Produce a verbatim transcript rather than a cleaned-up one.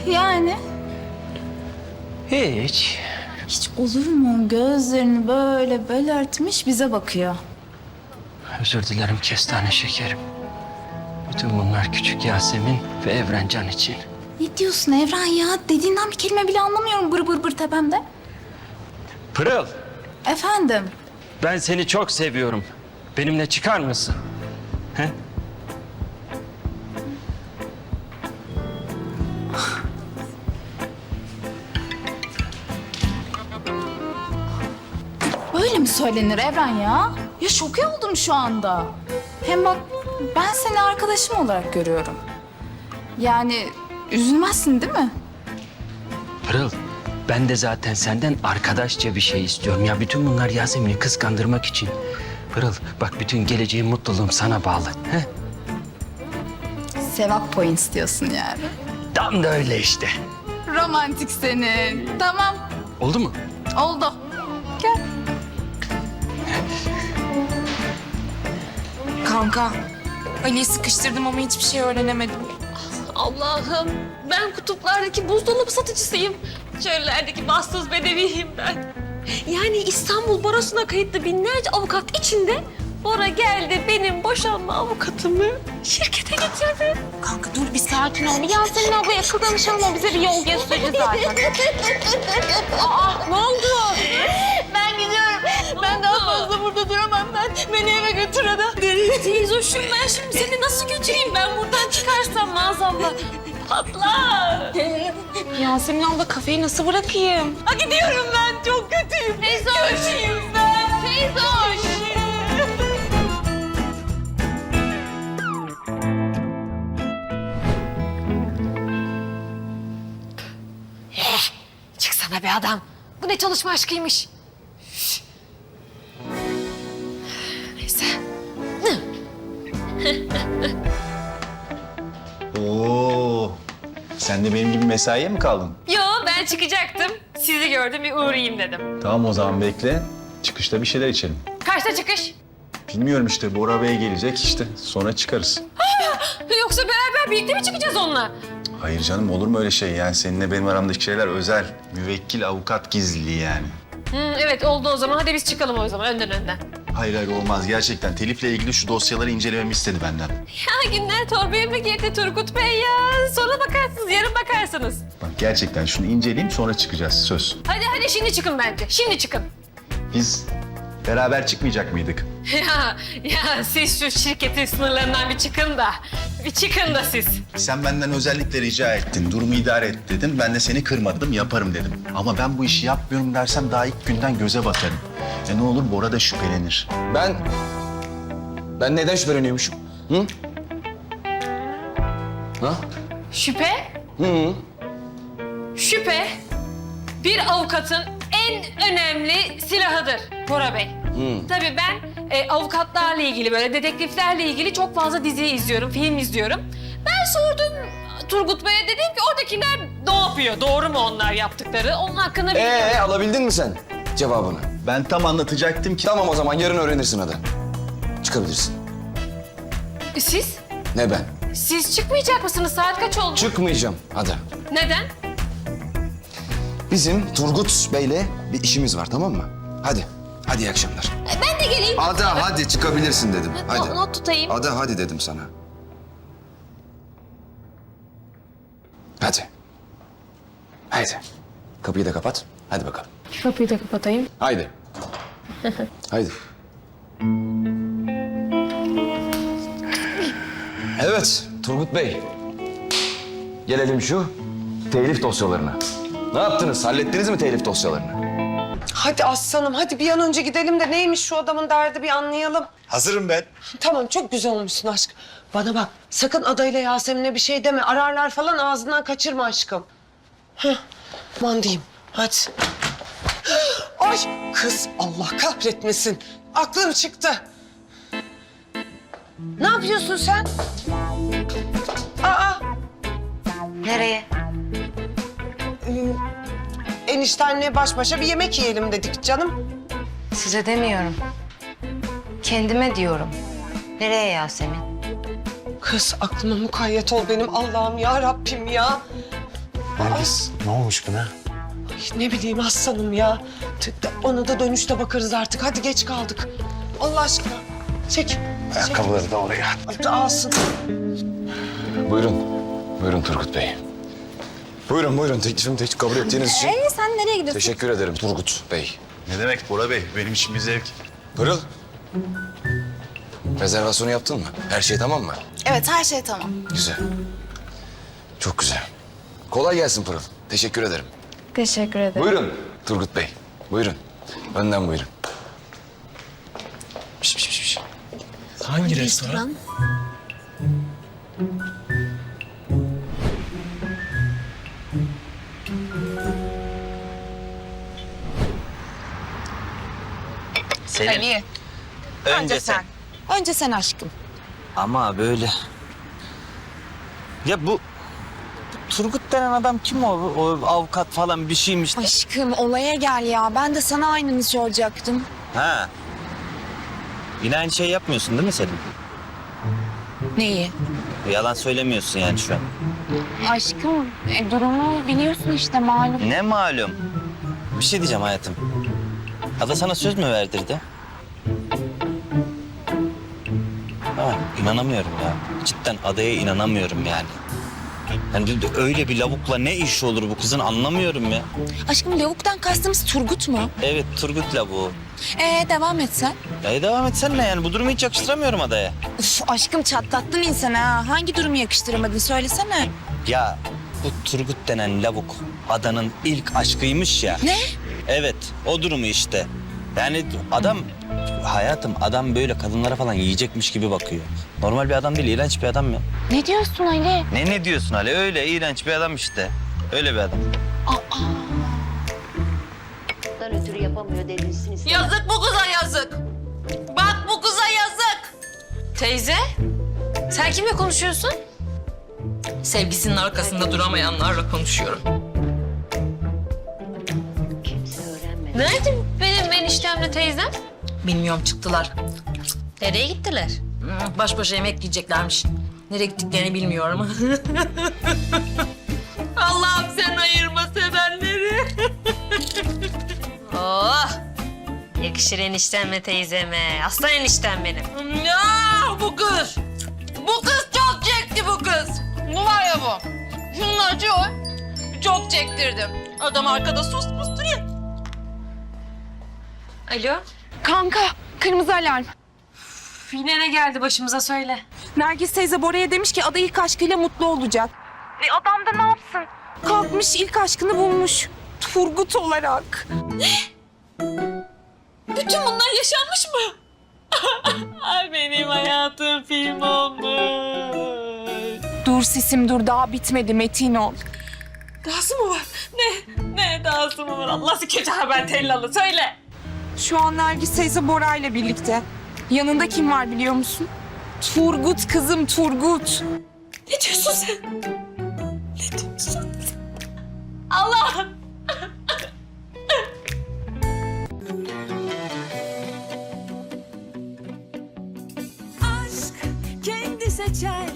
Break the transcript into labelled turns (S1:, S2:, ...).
S1: Yani?
S2: Hiç.
S1: Hiç olur mu? Gözlerini böyle belirtmiş bize bakıyor.
S2: Özür dilerim kestane şekerim. Bütün bunlar küçük Yasemin ve Evrencan için.
S1: Ne diyorsun Evren ya? Dediğinden bir kelime bile anlamıyorum bır bır bır tepemde.
S2: Pırıl,
S1: Efendim?
S2: ben seni çok seviyorum. Benimle çıkar mısın? He?
S1: Böyle mi söylenir Evren ya? Ya şoke oldum şu anda. Hem bak ben seni arkadaşım olarak görüyorum. Yani üzülmezsin değil mi?
S2: Pırıl, ben de zaten senden arkadaşça bir şey istiyorum. Ya bütün bunlar Yasemin'i kıskandırmak için. Pırıl, bak bütün geleceğim, mutluluğum sana bağlı. He?
S1: Sevap points diyorsun yani.
S2: Tam da öyle işte.
S1: Romantik senin. Tamam,
S2: Oldu mu?
S1: oldu. Gel.
S3: Kanka, Ali'yi sıkıştırdım ama hiçbir şey öğrenemedim.
S4: Allah'ım, ben kutuplardaki buzdolabı satıcısıyım. Çöllerdeki bahtsız bedeviyim ben. Yani İstanbul Barosu'na kayıtlı binlerce avukat içinde Bora geldi benim boşanma avukatımı şirkete getirdi.
S3: Kanka dur bir sakin ol. Bir Yasemin ablaya akıl danışalım, o bize bir yol gösterir zaten. Aa, ne oldu?
S4: Ben gidiyorum. Ben daha fazla burada duramam ben. Beni eve götür adam. Teyzoşum, ben şimdi seni nasıl götüreyim? Ben buradan çıkarsam maazallah patlar.
S3: Yasemin abla kafeyi nasıl bırakayım?
S4: Ha, gidiyorum ben. Çok kötüyüm. Teyzoş. Kötüyüm ben. Teyzoş. Çıksana be adam. Bu ne çalışma aşkıymış. Neyse.
S5: Oo, sen de benim gibi mesaiye mi kaldın?
S4: Yo, ben çıkacaktım. Sizi gördüm, bir uğrayayım dedim.
S5: Tamam o zaman bekle. Çıkışta bir şeyler içelim.
S4: Kaçta çıkış?
S5: Bilmiyorum işte Bora Bey gelecek işte sonra çıkarız.
S4: Yoksa beraber birlikte mi çıkacağız onunla?
S5: Hayır canım olur mu öyle şey yani seninle benim aramdaki şeyler özel. Müvekkil avukat gizliliği yani.
S4: Hı, evet oldu o zaman. Hadi biz çıkalım o zaman önden önden.
S5: Hayır hayır olmaz gerçekten. Telif'le ilgili şu dosyaları incelememi istedi benden.
S4: Ya günler torbaya mı girdi Turgut Bey ya? Sonra bakarsınız, yarın bakarsınız.
S5: Bak gerçekten şunu inceleyeyim sonra çıkacağız söz.
S4: Hadi hadi şimdi çıkın bence. Şimdi çıkın.
S5: Biz beraber çıkmayacak mıydık?
S4: Ya, ya siz şu şirketin sınırlarından bir çıkın da. Bir çıkın da siz.
S5: Sen benden özellikle rica ettin. Durumu idare et dedim. Ben de seni kırmadım, yaparım dedim. Ama ben bu işi yapmıyorum dersem daha ilk günden göze batarım. E ne olur Bora da şüphelenir.
S6: Ben... Ben neden şüpheleniyormuşum? Hı? Ha?
S4: Şüphe?
S6: Hı.
S4: Şüphe bir avukatın en önemli silahıdır Bora Bey.
S6: Hı.
S4: Tabii ben e, avukatlarla ilgili böyle dedektiflerle ilgili çok fazla dizi izliyorum, film izliyorum. Ben sordum Turgut Bey'e, dedim ki oradakiler ne yapıyor? Doğru mu onlar yaptıkları? Onun hakkında bir...
S6: Ee, alabildin mi sen cevabını?
S5: Ben tam anlatacaktım ki...
S6: Tamam o zaman yarın öğrenirsin hadi. Çıkabilirsin.
S4: Siz?
S6: Ne ben?
S4: Siz çıkmayacak mısınız? Saat kaç oldu?
S6: Çıkmayacağım hadi.
S4: Neden?
S6: Bizim Turgut Bey'le bir işimiz var tamam mı? Hadi. Hadi iyi akşamlar.
S4: Ben de geleyim.
S6: Hadi hadi çıkabilirsin dedim. Hadi.
S4: Not, not tutayım.
S6: Hadi hadi dedim sana. Hadi. Haydi. Kapıyı da kapat. Hadi bakalım.
S4: Kapıyı da kapatayım.
S6: Haydi. Haydi. Evet Turgut Bey. Gelelim şu telif dosyalarına. Ne yaptınız? Hallettiniz mi telif dosyalarını?
S7: Hadi aslanım, hadi bir an önce gidelim de neymiş şu adamın derdi bir anlayalım.
S5: Hazırım ben.
S7: Tamam, çok güzel olmuşsun aşkım. Bana bak, sakın adayla Yasemin'e bir şey deme. Ararlar falan, ağzından kaçırma aşkım. Heh, aman diyeyim, hadi. Ay kız, Allah kahretmesin. Aklım çıktı. Ne yapıyorsun sen? Aa,
S8: Nereye?
S7: e, eniştenle baş başa bir yemek yiyelim dedik canım.
S8: Size demiyorum. Kendime diyorum. Nereye Yasemin?
S7: Kız aklıma mukayyet ol benim Allah'ım ya Rabbim ya.
S9: Nergis ne olmuş buna?
S7: Ay, ne bileyim aslanım ya. T- t- Ona da dönüşte bakarız artık. Hadi geç kaldık. Allah aşkına. Çek.
S9: Ayakkabıları da oraya.
S7: Çek. Alsın.
S6: Buyurun. Buyurun Turgut Bey. Buyurun buyurun teklifimi tek kabul ettiğiniz için.
S1: Ee, sen nereye gidiyorsun?
S6: Teşekkür ederim Turgut Bey.
S5: Ne demek Bora Bey? Benim için bir zevk.
S6: Pırıl. Rezervasyonu yaptın mı? Her şey tamam mı?
S1: Evet, her şey tamam.
S6: Güzel. Çok güzel. Kolay gelsin Pırıl. Teşekkür ederim.
S1: Teşekkür ederim.
S6: Buyurun Turgut Bey. Buyurun. Önden buyurun. Piş, piş, piş, piş.
S9: Hangi restoran?
S2: Selin.
S8: Önce sen. Önce sen aşkım.
S10: Ama böyle... Ya bu... bu Turgut denen adam kim o? O avukat falan bir şeymiş de.
S8: Aşkım olaya gel ya. Ben de sana aynını soracaktım.
S10: Ha. Yine aynı şey yapmıyorsun değil mi Selin?
S8: Neyi?
S10: Yalan söylemiyorsun yani şu an.
S3: Aşkım e, durumu biliyorsun işte malum.
S10: Ne malum? Bir şey diyeceğim hayatım. Ada sana söz mü verdirdi? Ha, inanamıyorum ya. Cidden adaya inanamıyorum yani. Yani öyle bir lavukla ne iş olur bu kızın anlamıyorum ya.
S8: Aşkım lavuktan kastımız Turgut mu?
S10: Evet Turgut lavuğu.
S8: Ee devam et sen.
S10: Ya devam etsen ne yani bu durumu hiç yakıştıramıyorum adaya.
S8: Üf, aşkım çatlattın insanı ha. Hangi durumu yakıştıramadın söylesene.
S10: Ya bu Turgut denen lavuk adanın ilk aşkıymış ya.
S8: Ne?
S10: Evet o durumu işte. Yani adam hayatım adam böyle kadınlara falan yiyecekmiş gibi bakıyor. Normal bir adam değil iğrenç bir adam ya.
S3: Ne diyorsun Ali?
S10: Ne ne diyorsun Ali öyle iğrenç bir adam işte. Öyle bir adam.
S11: ötürü yapamıyor denilsin istedim.
S4: Yazık bu kıza yazık. Bak bu kıza yazık. Teyze, sen kimle konuşuyorsun? Sevgisinin arkasında duramayanlarla konuşuyorum.
S11: Kimse öğrenmedi.
S4: Nerede benim eniştemle teyzem? Bilmiyorum çıktılar. Nereye gittiler? Hmm, Baş başa yemek yiyeceklermiş. Nereye gittiklerini bilmiyorum. Allah'ım sen ayırma sevenleri. oh! Yakışır eniştemle teyzeme. Aslan eniştem benim. Ya bu kız. Bu kız çok çekti bu kız. Bu var ya bu. Şunlar çok. Çok çektirdim. Adam arkada sus pus duruyor. Alo.
S3: Kanka kırmızı alarm.
S4: Yine ne geldi başımıza söyle.
S3: Nergis teyze Bora'ya demiş ki ada ilk aşkıyla mutlu olacak. E adam da ne yapsın? Kalkmış ilk aşkını bulmuş. Turgut olarak.
S4: Bütün bunlar yaşanmış mı? Ay benim hayatım film olmuş.
S3: Dur sisim dur daha bitmedi Metin ol.
S4: Dahası mı var? Ne? Ne dahası mı var? Allah'sı kötü haber tellalı söyle.
S3: Şu an Nergis teyze Bora ile birlikte. Yanında kim var biliyor musun? Turgut kızım Turgut.
S4: Ne diyorsun sen? Ne diyorsun? Allah!
S12: Aşk kendi seçer